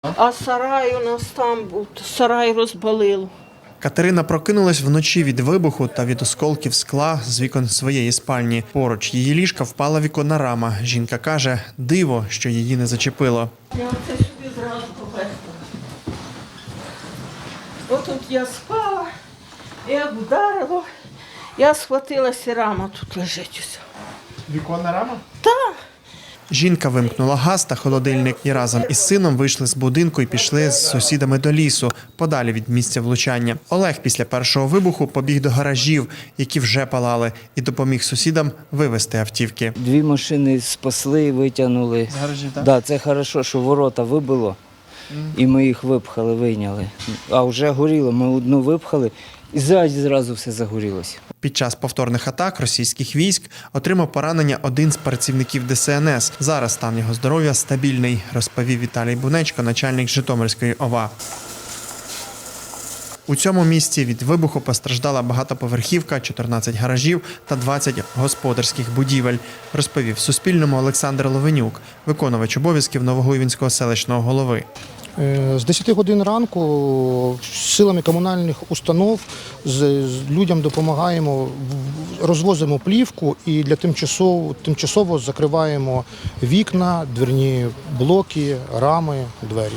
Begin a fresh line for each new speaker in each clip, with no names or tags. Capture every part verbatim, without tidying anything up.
А сарай у нас там був, сарай розбалило.
Катерина прокинулась вночі від вибуху та від осколків скла з вікон своєї спальні. Поруч її ліжка впала віконна рама. Жінка каже, диво, що її не зачепило.
Я оце собі зразу повезла. Отут я спала, як вдарило, я схватилася, рама тут лежить усе.
Віконна рама?
Так.
Жінка вимкнула газ та холодильник і разом із сином вийшли з будинку і пішли з сусідами до лісу, подалі від місця влучання. Олег після першого вибуху побіг до гаражів, які вже палали, і допоміг сусідам вивезти автівки.
Дві машини спасли, витягнули.
З гаражів, так?
Да, це хорошо, що ворота вибило, і ми їх випхали, вийняли. А вже горіло, ми одну випхали, і зразу, зразу все загорілося.
Під час повторних атак російських військ отримав поранення один з працівників Де Се Ен Ес. Зараз стан його здоров'я стабільний, розповів Віталій Бунечко, начальник Житомирської О В А. У цьому місці від вибуху постраждала багатоповерхівка, чотирнадцять гаражів та двадцять господарських будівель, розповів Суспільному Олександр Ловенюк, виконувач обов'язків Новогуйвинського селищного голови.
З десяти годин ранку силами комунальних установ з, з людям допомагаємо, розвозимо плівку і для тимчасово, тимчасово закриваємо вікна, дверні блоки, рами, двері.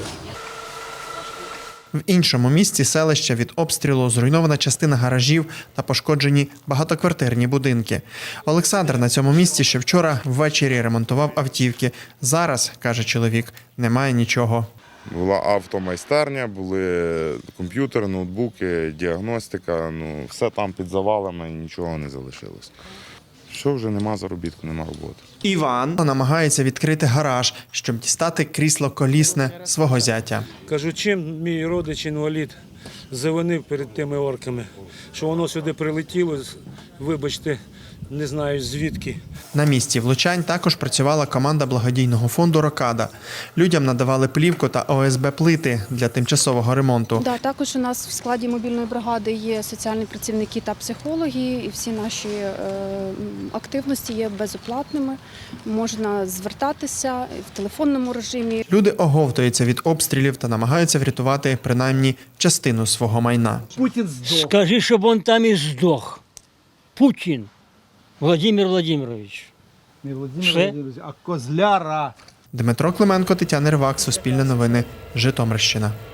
В іншому місці селища від обстрілу зруйнована частина гаражів та пошкоджені багатоквартирні будинки. Олександр на цьому місці ще вчора ввечері ремонтував автівки. Зараз, каже чоловік, немає нічого.
Була автомайстерня, були комп'ютери, ноутбуки, діагностика. Ну, все там під завалами, нічого не залишилось. Що вже нема заробітку, нема роботи.
Іван намагається відкрити гараж, щоб дістати крісло колісне свого зятя.
Кажу, чим мій родич інвалід завинив перед тими орками, що воно сюди прилетіло, вибачте, не знаю звідки.
На місці влучань також працювала команда благодійного фонду «Рокада». Людям надавали плівку та О Ес Бе плити для тимчасового ремонту.
Да, також у нас в складі мобільної бригади є соціальні працівники та психологи, і всі наші е, активності є безоплатними. Можна звертатися в телефонному режимі.
Люди оговтуються від обстрілів та намагаються врятувати принаймні частину свого майна.
Путін здох.
Скажи, щоб він там і здох. Путін Володимир Владимирович.
Не Володимир
Все?
Володимирович, а Козляра.
Дмитро Клименко, Тетяна Рибак, Суспільне новини, Житомирщина.